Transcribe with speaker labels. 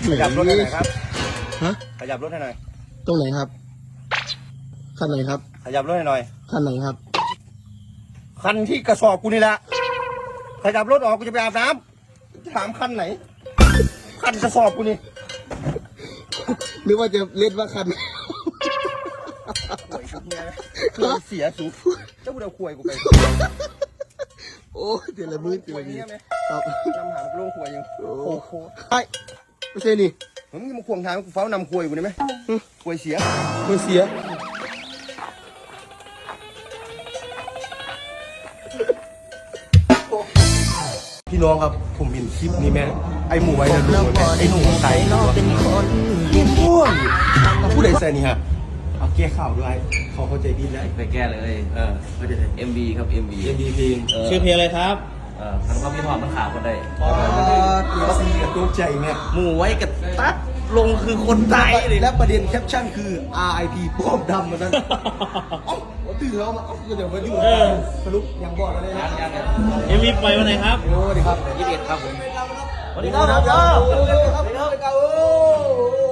Speaker 1: ขยับรถให้หน่อยครับ
Speaker 2: ฮะ
Speaker 1: ขยับรถให้หน่อย
Speaker 2: ตรงไหนครับคันไหนครับ
Speaker 1: ขยับรถให้หน่อย
Speaker 2: คันไหนครับ
Speaker 1: คันที่กระสอบกูนี่แหละขยับรถออกกูจะไปอาบน้ำถามคันไหนคันกระสอบกูนี่
Speaker 2: หรือว่าจะเล่นว่าคัน
Speaker 1: ข่วยชุดเนี้ยนะเสียสูเจ้ากูเดาข่วยกูไป
Speaker 2: โอ้ยเดี๋ยวละมือเดี๋ยว
Speaker 1: ข่วย
Speaker 2: ละมือ
Speaker 1: เนี้ยไหม
Speaker 2: ครับ
Speaker 1: นำหางกูลงข่วยยังโอ้โห
Speaker 2: ไอ้ไม่ใช่นี่
Speaker 1: มึงมาควงทางกูเฝ้านำข่วยกูได้ไหมข่วยเสีย
Speaker 2: มันเสีย
Speaker 1: พี่น้องครับผมเห็นคลิปนี้แม่ไอหมูไว้นะลุงไอหนูใส่โอ้ยผู้ใดใส่นี่ฮะเอาแก้ข่าวด้วยเขาเข้าใจดีแล้ว
Speaker 3: ไปแก้เลย
Speaker 1: เขาใจ
Speaker 3: MV ครับ MV
Speaker 1: เอ็มดีเพลง
Speaker 2: ชื่อเพลงอะไรครับ
Speaker 3: ทั้งความพี่ทอมทั้งขาคนได้
Speaker 1: ตัวซีกับตัวใจเนี่ย
Speaker 3: หมู่ไว้กับตัดลงคือคนตายเลย
Speaker 1: และประเด็นแคปชั่นคือ RIP ป้อมดำมันนั้นเอ้าตื่นแล้วมาเดี๋ยวมาดูสรุปยังบอกอะไรนะ
Speaker 2: MV ปล่อยวันไหนครับ
Speaker 1: โอ้ดีครับ
Speaker 3: 21ครับผม
Speaker 1: สวัสดีครับ